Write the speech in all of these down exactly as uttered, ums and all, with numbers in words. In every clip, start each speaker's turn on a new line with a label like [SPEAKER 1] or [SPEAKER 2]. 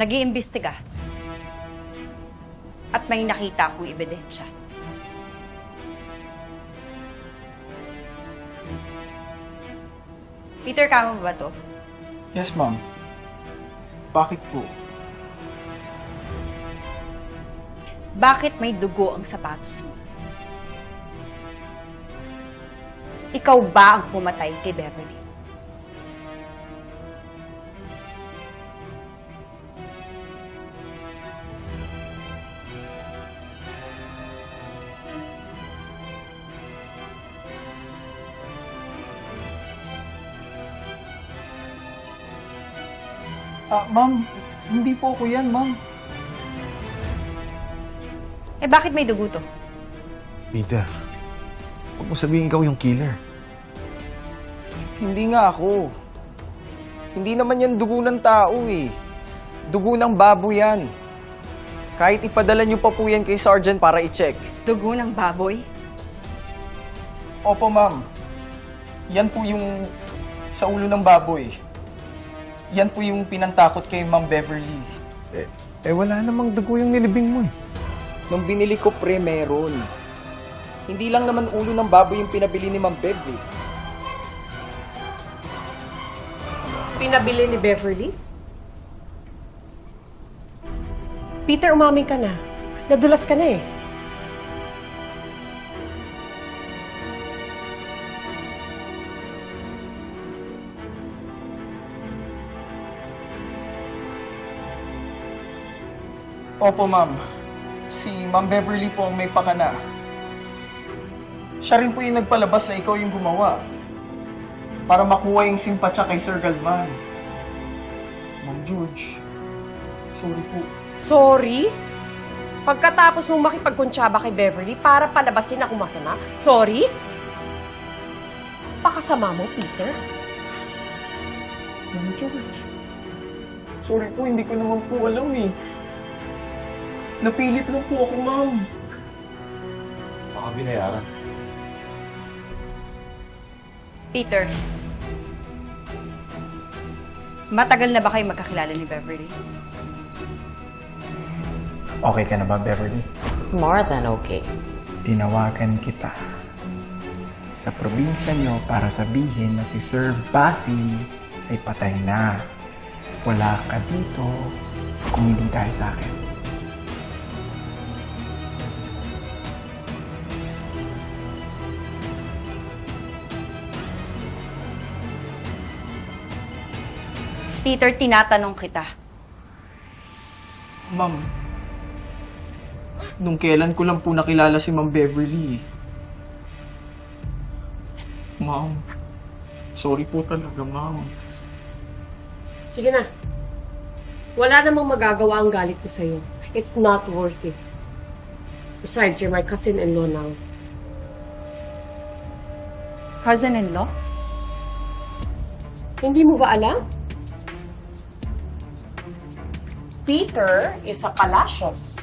[SPEAKER 1] Nag-iimbestiga. At may nakita akong ebidensya. Peter, kama ba to?
[SPEAKER 2] Yes, ma'am. Bakit po?
[SPEAKER 1] Bakit may dugo ang sapatos mo? Ikaw ba ang pumatay kay Beverly?
[SPEAKER 2] Ah, ma'am, hindi po ako yan, ma'am.
[SPEAKER 1] Eh bakit may dugo to?
[SPEAKER 3] Peter, huwag mo sabihin ikaw yung killer.
[SPEAKER 2] Hindi nga ako. Hindi naman yan dugo ng tao eh. Dugo ng baboy yan. Kahit ipadala niyo pa po yan kay Sergeant para i-check.
[SPEAKER 1] Dugo ng baboy?
[SPEAKER 2] Opo, ma'am. Yan po yung sa ulo ng baboy. Yan po yung pinantakot kay Ma'am Beverly.
[SPEAKER 3] Eh, eh wala namang dugo yung nilibing mo eh.
[SPEAKER 2] Nung binili ko pre, meron. Hindi lang naman ulo ng baboy yung pinabili ni Ma'am Bev eh.
[SPEAKER 4] Pinabili ni Beverly? Peter, umamin ka na. Nadulas ka na eh.
[SPEAKER 2] Opo, ma'am. Si Ma'am Beverly po ang may pakana. Siya rin po yung nagpalabas na ikaw yung gumawa. Para makuha yung simpatya kay Sir Galvan. Ma'am George, sorry po.
[SPEAKER 4] Sorry? Pagkatapos mong makipagkuntsaba kay Beverly para palabasin ako masama? Sorry? Pakasama mo, Peter?
[SPEAKER 2] Ma'am George, sorry po, hindi ko naman po alam eh. Napilit lang po ako, ma'am.
[SPEAKER 3] Baka binayaran.
[SPEAKER 1] Peter, matagal na ba kayo magkakilala ni Beverly?
[SPEAKER 2] Okay ka na ba, Beverly?
[SPEAKER 5] More than okay.
[SPEAKER 6] Tinawagan kita sa probinsya nyo para sabihin na si Sir Basil ay patay na. Wala ka dito kung hindi dahil sa akin.
[SPEAKER 1] Peter, tinatanong kita.
[SPEAKER 2] Ma'am, nung kailan ko lang po nakilala si Ma'am Beverly. Ma'am, sorry po talaga, ma'am.
[SPEAKER 4] Sige na. Wala namang magagawa ang galit ko sa'yo. It's not worth it. Besides, you're my cousin-in-law now.
[SPEAKER 1] Cousin-in-law?
[SPEAKER 4] Hindi mo ba alam? Peter is a Palacios.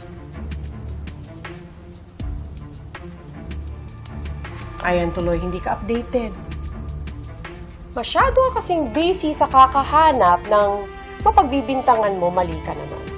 [SPEAKER 4] Ayan tuloy, hindi ka updated. Masyado ka kasing busy sa kakahanap ng mapagbibintangan mo, mali ka naman.